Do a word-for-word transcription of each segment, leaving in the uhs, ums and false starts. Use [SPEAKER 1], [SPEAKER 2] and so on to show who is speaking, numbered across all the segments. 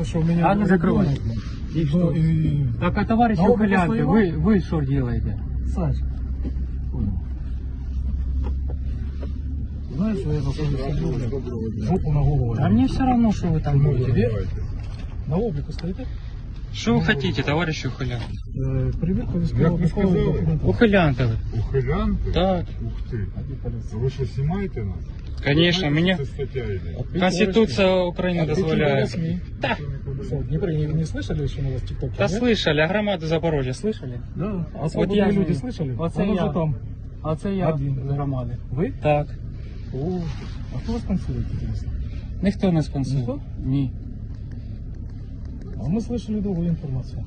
[SPEAKER 1] кажется, что меня...
[SPEAKER 2] А ну закрывай. И что?
[SPEAKER 1] И...
[SPEAKER 2] Так, а товарищи
[SPEAKER 1] А вы
[SPEAKER 2] ухилянты,
[SPEAKER 1] постоянно?
[SPEAKER 2] вы, вы что делаете?
[SPEAKER 1] Саш, понял. Знаешь, что я за свою жопу на голову?
[SPEAKER 2] А мне все равно, что вы там
[SPEAKER 1] Ну,
[SPEAKER 2] будете.
[SPEAKER 1] тебе? На облику стоите?
[SPEAKER 2] Что вы хотите, товарищи ухилянты?
[SPEAKER 1] Э, Перевірка
[SPEAKER 3] Як
[SPEAKER 1] військового
[SPEAKER 3] ви сказали?
[SPEAKER 1] документу.
[SPEAKER 2] Ухилянты вы.
[SPEAKER 3] Ухилянти?
[SPEAKER 2] Так,
[SPEAKER 3] Ух ти.
[SPEAKER 1] А де поліція?
[SPEAKER 3] Ви що, знімаєте нас?
[SPEAKER 2] конечно,
[SPEAKER 3] Знаєте,
[SPEAKER 2] меня
[SPEAKER 3] що це стаття йде?
[SPEAKER 2] Конституция Украины дозволяет.
[SPEAKER 1] Да. Что, в Днепре не, не слышали, что у нас в ТикТоке?
[SPEAKER 2] Да
[SPEAKER 1] нет?
[SPEAKER 2] слышали, а громаду Запорожья слышали?
[SPEAKER 1] Да. А
[SPEAKER 2] Вот
[SPEAKER 1] свободные
[SPEAKER 2] я
[SPEAKER 1] люди
[SPEAKER 2] же-
[SPEAKER 1] слышали?
[SPEAKER 2] Вот
[SPEAKER 1] Он
[SPEAKER 2] я.
[SPEAKER 1] уже там.
[SPEAKER 2] А це я
[SPEAKER 1] Один.
[SPEAKER 2] з громади.
[SPEAKER 1] Вы?
[SPEAKER 2] Так.
[SPEAKER 1] О, а кто вас спонсирует, интересно?
[SPEAKER 2] Ніхто не спонсорує.
[SPEAKER 1] Ніхто?
[SPEAKER 2] Ні.
[SPEAKER 1] А мы слышали другую информацию.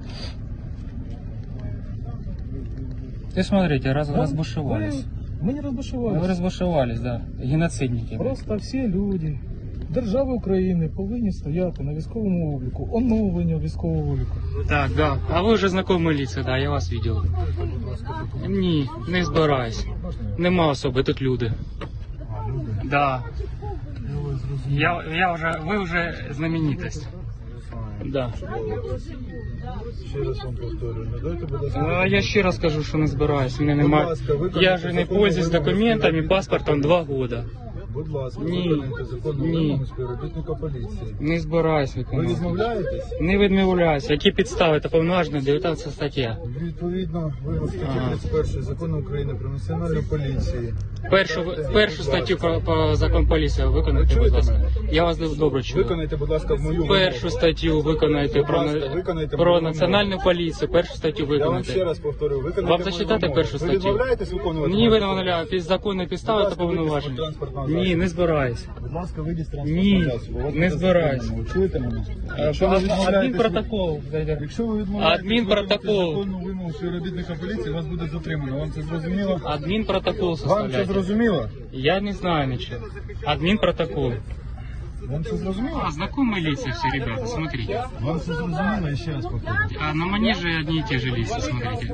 [SPEAKER 2] Ты смотрите, раз,
[SPEAKER 1] Да?
[SPEAKER 2] разбушевались.
[SPEAKER 1] Вы- Мы не разбушевались.
[SPEAKER 2] Вы разбушевались, да. Геноцидники.
[SPEAKER 1] Просто всі люди держави України повинні стояти на військовому обліку, оновлення військового обліку.
[SPEAKER 2] Так, да. А ви вже знайомі лица, да, я вас бачив. Ні, не збираюсь. Нема особи, тут люди. Да. Я, я вже, ви вже знаменитость. Да.
[SPEAKER 3] Ще раз вам повторюю, не дайте, будь ласка.
[SPEAKER 2] А я ще раз кажу, що не збираюсь. Мене нема.
[SPEAKER 3] ласка, виконайте
[SPEAKER 2] Я же не
[SPEAKER 3] законну
[SPEAKER 2] пользуюсь
[SPEAKER 3] вимогу
[SPEAKER 2] документами,
[SPEAKER 3] співробітника.
[SPEAKER 2] паспортом два года.
[SPEAKER 3] Будь ласка,
[SPEAKER 2] Ні.
[SPEAKER 3] виконайте законну
[SPEAKER 2] Ні.
[SPEAKER 3] вимогу співробітника поліції.
[SPEAKER 2] Не збираюсь
[SPEAKER 3] Ви
[SPEAKER 2] виконувати.
[SPEAKER 3] відмовляєтесь?
[SPEAKER 2] Не відмовляюсь. Які підстави? Це повноважена дев'ятнадцята стаття.
[SPEAKER 3] Відповідно, ви статті
[SPEAKER 2] Ага.
[SPEAKER 3] тридцять першої закону України про національну поліцію.
[SPEAKER 2] Першу, першу статтю по, по закону поліції виконайте, будь ласка. Я вас добре чую.
[SPEAKER 3] Виконайте, будь ласка, в мою
[SPEAKER 2] Першу
[SPEAKER 3] вимогу.
[SPEAKER 2] статтю виконайте
[SPEAKER 3] Будь
[SPEAKER 2] про,
[SPEAKER 3] ласка, виконайте
[SPEAKER 2] про
[SPEAKER 3] мою
[SPEAKER 2] національну поліцію. Першу статтю
[SPEAKER 3] Я вам ще
[SPEAKER 2] виконайте.
[SPEAKER 3] раз повторю, виконайте
[SPEAKER 2] Вам
[SPEAKER 3] мою
[SPEAKER 2] зачитати
[SPEAKER 3] вимогу.
[SPEAKER 2] першу
[SPEAKER 3] Ви
[SPEAKER 2] статтю?
[SPEAKER 3] відмовляєтесь виконувати?
[SPEAKER 2] Ні, ви
[SPEAKER 3] мою
[SPEAKER 2] не вимовляю. Під законної підстави
[SPEAKER 3] Будь
[SPEAKER 2] та
[SPEAKER 3] ласка, вийдіть з
[SPEAKER 2] повноваження.
[SPEAKER 3] транспортного
[SPEAKER 2] Ні,
[SPEAKER 3] засобу.
[SPEAKER 2] не збираюсь.
[SPEAKER 3] Будь ласка, вийдіть з
[SPEAKER 2] Ні,
[SPEAKER 3] транспортного засобу. Вас
[SPEAKER 2] не
[SPEAKER 3] буде
[SPEAKER 2] збираюсь.
[SPEAKER 3] затримано. Чуєте мене?
[SPEAKER 2] Е,
[SPEAKER 3] Якщо ви відмовляєтесь-
[SPEAKER 2] Адмінпротокол.
[SPEAKER 3] Якщо ви відмовляєтесь
[SPEAKER 2] Адмінпротокол.
[SPEAKER 3] виконати законну вимогу співробітника поліції, вас буде затримано. Вам це зрозуміло?
[SPEAKER 2] Адмінпротокол
[SPEAKER 3] Вам це
[SPEAKER 2] составляйте.
[SPEAKER 3] зрозуміло?
[SPEAKER 2] Я не знаю ничего. Админпротокол.
[SPEAKER 3] Вам це зрозуміло?
[SPEAKER 2] А, знакомые лица все, ребята, смотрите.
[SPEAKER 3] Вам це зрозуміло? Я ще раз повторю.
[SPEAKER 2] А на манеже одни и те же лица, смотрите.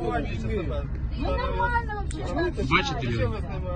[SPEAKER 2] Бачите люди?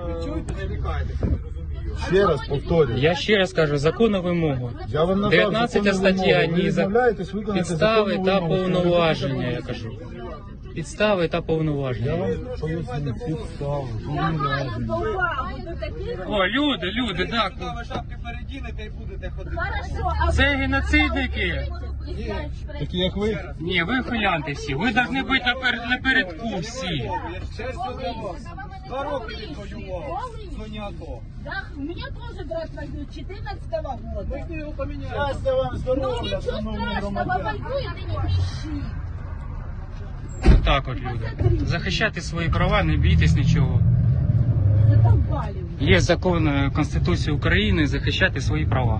[SPEAKER 3] Ще раз повторюю.
[SPEAKER 2] Я ще раз кажу, законну вимогу.
[SPEAKER 3] Я вам надав
[SPEAKER 2] дев'ятнадцята
[SPEAKER 3] законну
[SPEAKER 2] стаття,
[SPEAKER 3] вимогу. Ви
[SPEAKER 2] ні, за
[SPEAKER 3] відмовляєтесь виконати
[SPEAKER 2] підстави
[SPEAKER 3] законну
[SPEAKER 2] та
[SPEAKER 3] вимогу
[SPEAKER 2] повноваження, я
[SPEAKER 3] співробітника
[SPEAKER 2] кажу. Підстави та
[SPEAKER 3] Я
[SPEAKER 2] повноваження.
[SPEAKER 3] вам поясню підстави, повноваження.
[SPEAKER 2] О, люди, люди, так.
[SPEAKER 4] Шапки передінете і будете ходити.
[SPEAKER 2] Це геноцидники.
[SPEAKER 3] Такі як ви?
[SPEAKER 2] Ні, ви хулянти всі. Ви повинні бути наперед, напередку всі.
[SPEAKER 4] Два роки відвоював. В зоні АТО.
[SPEAKER 5] Да, у меня тоже брат воюет четырнадцатого года.
[SPEAKER 4] Ми його поміняли.
[SPEAKER 3] Щастя вам,
[SPEAKER 5] Ну
[SPEAKER 3] здоров'я,
[SPEAKER 5] ничего
[SPEAKER 3] шановні
[SPEAKER 5] страшного,
[SPEAKER 3] громадяни.
[SPEAKER 5] воюет и не кричи.
[SPEAKER 2] Так от, люди. Захищати свої права, не бійтесь нічого.
[SPEAKER 5] Задолбали уже.
[SPEAKER 2] Є закон е, Конституції України захищати свої права.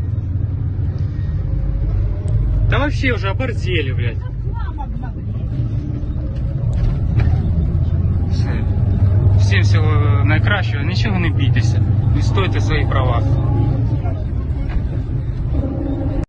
[SPEAKER 2] Та вообще вже оборзели, блядь.
[SPEAKER 5] Мама обнаглела.
[SPEAKER 2] Все. Всім всього найкращого, нічого не бійтеся. Відстойте свої права.